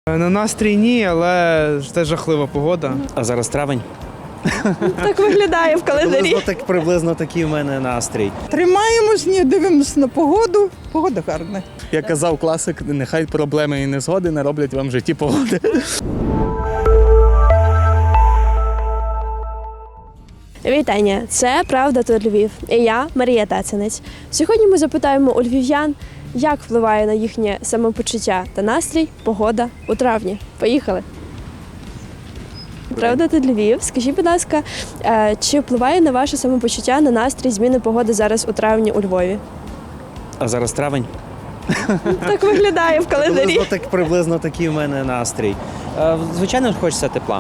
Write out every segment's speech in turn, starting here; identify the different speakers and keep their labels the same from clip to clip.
Speaker 1: На настрій ні, але це жахлива погода.
Speaker 2: А зараз травень?
Speaker 3: Так виглядає в календарі.
Speaker 2: Приблизно такий в мене настрій.
Speaker 4: Тримаємось, ні, дивимося на погоду. Погода гарна.
Speaker 5: Як казав класик, нехай проблеми і незгоди не роблять вам в житті погоди.
Speaker 3: Вітання! Це «Правда тут Львів» і я, Марія Тацинець. Сьогодні ми запитаємо у львів'ян, як впливає на їхнє самопочуття та настрій погода у травні. Поїхали! «Правда тут Львів». Скажіть, будь ласка, чи впливає на ваше самопочуття, на настрій зміни погоди зараз у травні у Львові?
Speaker 2: А зараз травень?
Speaker 3: Так виглядає в календарі.
Speaker 2: Приблизно такий в мене настрій. Звичайно, хочеться тепла.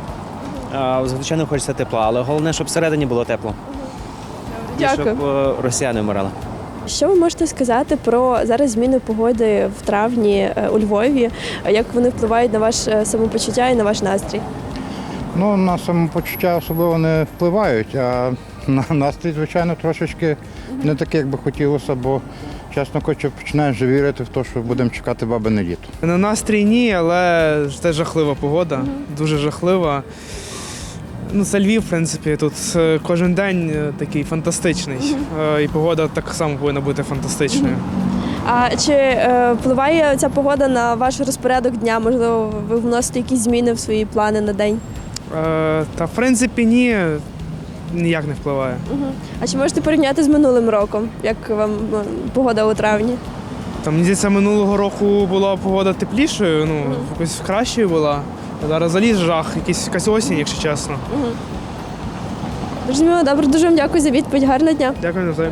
Speaker 2: Але головне, щоб всередині було тепло.
Speaker 3: Дякую.
Speaker 2: І щоб росіяни вмирали.
Speaker 3: Що ви можете сказати про зараз зміни погоди в травні у Львові? Як вони впливають на ваше самопочуття і на ваш настрій?
Speaker 6: Ну, на самопочуття особливо не впливають, а на настрій, звичайно, трошечки не такий, як би хотілося, бо, чесно кажучи, починаєш вже вірити в те, що будемо чекати бабине літо.
Speaker 1: На настрій ні, але це жахлива погода, дуже жахлива. Ну, це Львів, в принципі, тут кожен день такий фантастичний. І погода так само повинна бути фантастичною.
Speaker 3: А чи впливає ця погода на ваш розпорядок дня? Можливо, ви вносите якісь зміни в свої плани на день?
Speaker 1: Та в принципі ні, ніяк не впливає.
Speaker 3: А чи можете порівняти з минулим роком? Як вам погода у травні?
Speaker 1: Там, мені здається, минулого року була погода теплішою, ну, якось кращою була. А зараз заліз жах, якась осінь, якщо чесно.
Speaker 3: Зрозуміло, добре, дуже вам дякую за відповідь. Гарного дня.
Speaker 1: Дякую навзаєм.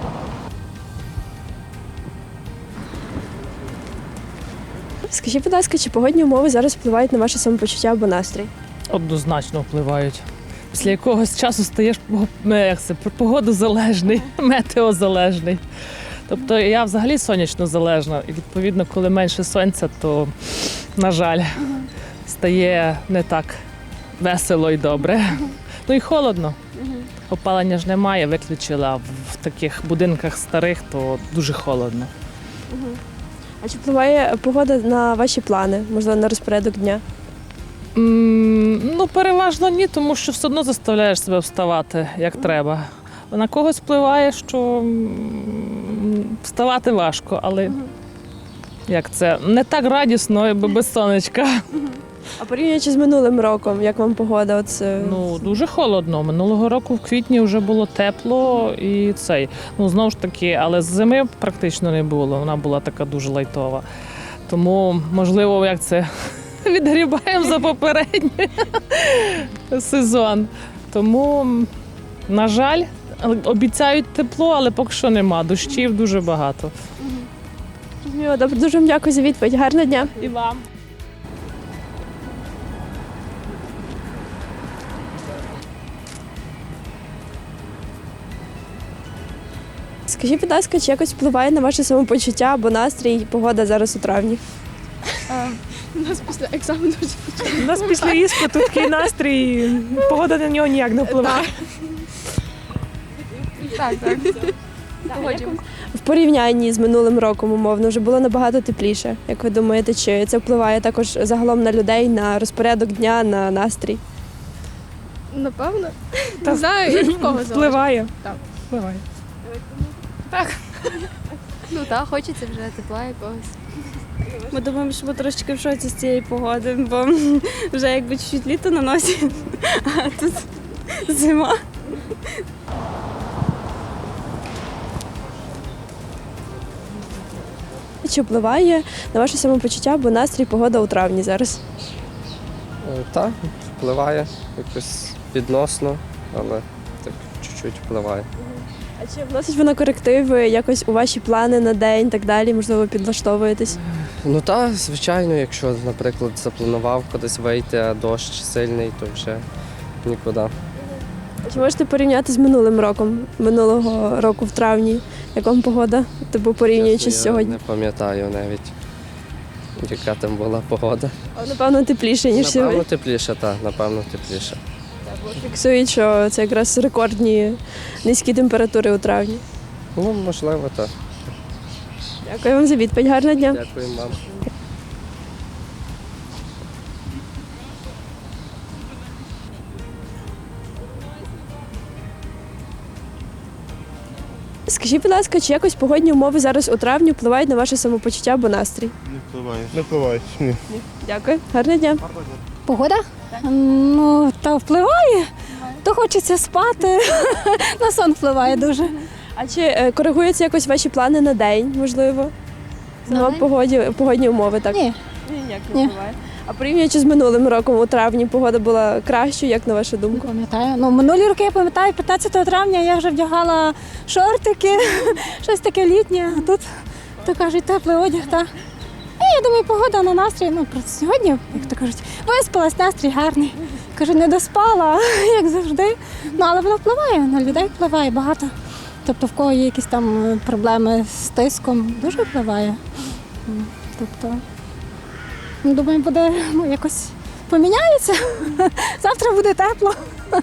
Speaker 3: Скажіть, будь ласка, чи погодні умови зараз впливають на ваше самопочуття або настрій?
Speaker 7: Однозначно впливають. Після якогось часу стаєш погодозалежний, метеозалежний. Тобто я взагалі сонячно залежна. І відповідно, коли менше сонця, то, на жаль, стає не так весело і добре. Ну і холодно. Опалення ж немає, виключила. А в таких будинках старих, то дуже холодно.
Speaker 3: А чи впливає погода на ваші плани, можливо, на розпорядок дня?
Speaker 7: Ну, переважно ні, тому що все одно заставляєш себе вставати, як треба. На когось впливає, що вставати важко, але як це, не так радісно, якби без сонечка.
Speaker 3: А порівнюючи з минулим роком, як вам погода?
Speaker 7: Ну, дуже холодно. Минулого року в квітні вже було тепло і цей. Ну, знову ж таки, але зими практично не було, вона була така дуже лайтова. Тому, можливо, як це, відгрібаємо за попередній сезон. Тому, на жаль, обіцяють тепло, але поки що нема. Дощів дуже багато.
Speaker 3: Добре, дуже вам дякую за відповідь. Гарного дня.
Speaker 7: І вам.
Speaker 3: Скажіть, будь ласка, чи якось впливає на ваше самопочуття або настрій погода зараз у травні?
Speaker 8: У нас після екзамену.
Speaker 9: У нас після іспиту такий настрій, погода на нього ніяк не впливає.
Speaker 8: Так. Погоджуємося.
Speaker 3: В порівнянні з минулим роком, умовно, вже було набагато тепліше. Як ви думаєте, чи це впливає також загалом на людей, на розпорядок дня, на настрій?
Speaker 8: Напевно. Не знаю, як в кого залежить.
Speaker 9: Впливає.
Speaker 8: Так.
Speaker 9: Впливає.
Speaker 8: Ну так, хочеться вже тепла якогось.
Speaker 10: Ми думаємо, що ми трошечки в шоці з цієї погоди, бо вже якби чуть-чуть літо на носі, а тут зима.
Speaker 3: Чи впливає на ваше самопочуття або настрій погода у травні зараз?
Speaker 11: Так, впливає якось відносно, але так чуть-чуть впливає.
Speaker 3: А чи вносить вона корективи якось у ваші плани на день і так далі? Можливо, підлаштовуєтесь?
Speaker 11: Ну так, звичайно, якщо, наприклад, запланував кудись вийти, а дощ сильний, то вже нікуди.
Speaker 3: Чи можете порівняти з минулим роком, минулого року в травні? Як вам погода? Тобто порівнюючи з
Speaker 11: Чесно,
Speaker 3: сьогодні?
Speaker 11: я не пам'ятаю навіть, яка там була погода.
Speaker 3: Напевно, тепліше, ніж сьогодні.
Speaker 11: Напевно, тепліше, так, напевно, тепліше.
Speaker 3: Фіксують, що це якраз рекордні низькі температури у травні.
Speaker 11: Ну, можливо, так.
Speaker 3: Дякую вам за відповідь. Гарного дня.
Speaker 11: Дякую вам.
Speaker 3: Скажіть, будь ласка, чи якось погодні умови зараз у травні впливають на ваше самопочуття або настрій?
Speaker 5: Не впливають. Ні.
Speaker 3: Дякую, гарного дня.
Speaker 12: Погода? Ну, та впливає. То хочеться спати. На сон впливає дуже.
Speaker 3: А чи коригуються якось ваші плани на день, можливо? На погодні умови, так?
Speaker 12: Ні.
Speaker 3: Ніяк
Speaker 12: Ні.
Speaker 3: впливає. А порівнюючи з минулим роком, у травні погода була кращою, як на вашу думку?
Speaker 12: Пам'ятаю. Ну, минулі роки я пам'ятаю, 15 травня я вже вдягала шортики, щось таке літнє. А тут, то кажуть, теплий одяг. Та. І я думаю, погода на настрій. Ну, просто сьогодні, як то кажуть, виспалась, настрій гарний. Кажу, не доспала, як завжди. Ну, але воно впливає, на людей впливає багато. Тобто, в кого є якісь там проблеми з тиском, дуже впливає. Тобто, ну, думаю, буде якось поміняється. Завтра буде тепло.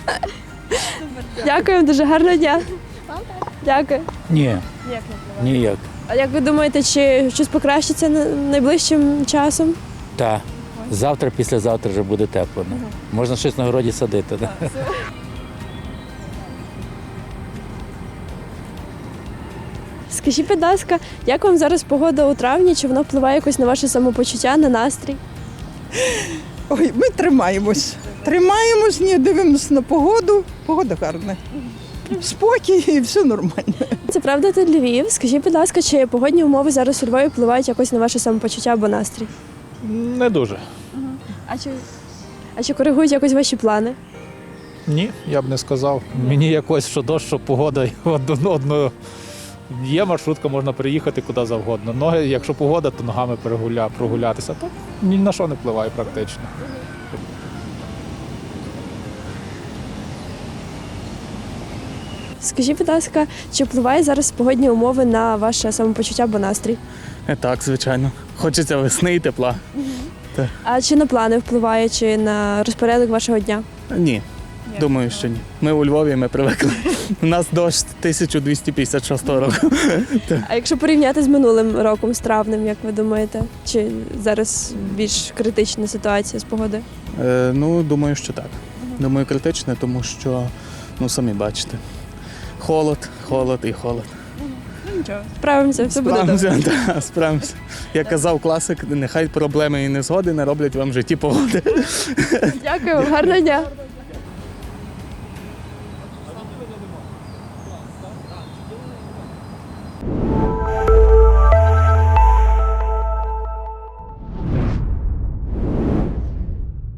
Speaker 3: Дякую, дуже гарного дня. Дякую.
Speaker 13: Ні, ніяк.
Speaker 3: А як ви думаєте, чи щось покращиться найближчим часом?
Speaker 13: Так. Завтра, післязавтра вже буде тепло. Можна щось на городі садити. Да?
Speaker 3: Скажіть, будь ласка, як вам зараз погода у травні? Чи вона впливає якось на ваше самопочуття, на настрій?
Speaker 4: Ой, ми тримаємось. Тримаємось, ні, дивимося на погоду. Погода гарна. Спокій і все нормально.
Speaker 3: Це правда, тут Львів. Скажіть, будь ласка, чи погодні умови зараз у Львові впливають якось на ваше самопочуття або настрій?
Speaker 14: Не дуже.
Speaker 3: А чи коригують якось ваші плани?
Speaker 14: Ні, я б не сказав. Мені якось, що дощ, що погода, одно. Є маршрутка, можна приїхати куди завгодно. Ноги, якщо погода, то ногами прогулятися. То ні на що не впливає практично.
Speaker 3: Скажіть, будь ласка, чи впливає зараз погодні умови на ваше самопочуття або настрій?
Speaker 5: Так, звичайно. Хочеться весни і тепла.
Speaker 3: А чи на плани впливає, чи на розпорядок вашого дня?
Speaker 5: Ні. Думаю, що ні. Ми у Львові, ми привикли. У нас дощ 1256 року.
Speaker 3: А якщо порівняти з минулим роком, з травнем, як ви думаєте, чи зараз більш критична ситуація з погодою?
Speaker 5: Ну, думаю, що так. Думаю, критичне, тому що, ну, самі бачите. Холод і холод.
Speaker 3: Справимося, все буде добре.
Speaker 5: Справимося, справимося. Як казав класик, нехай проблеми і незгоди не роблять вам в житті погоди.
Speaker 3: Дякую, гарного дня.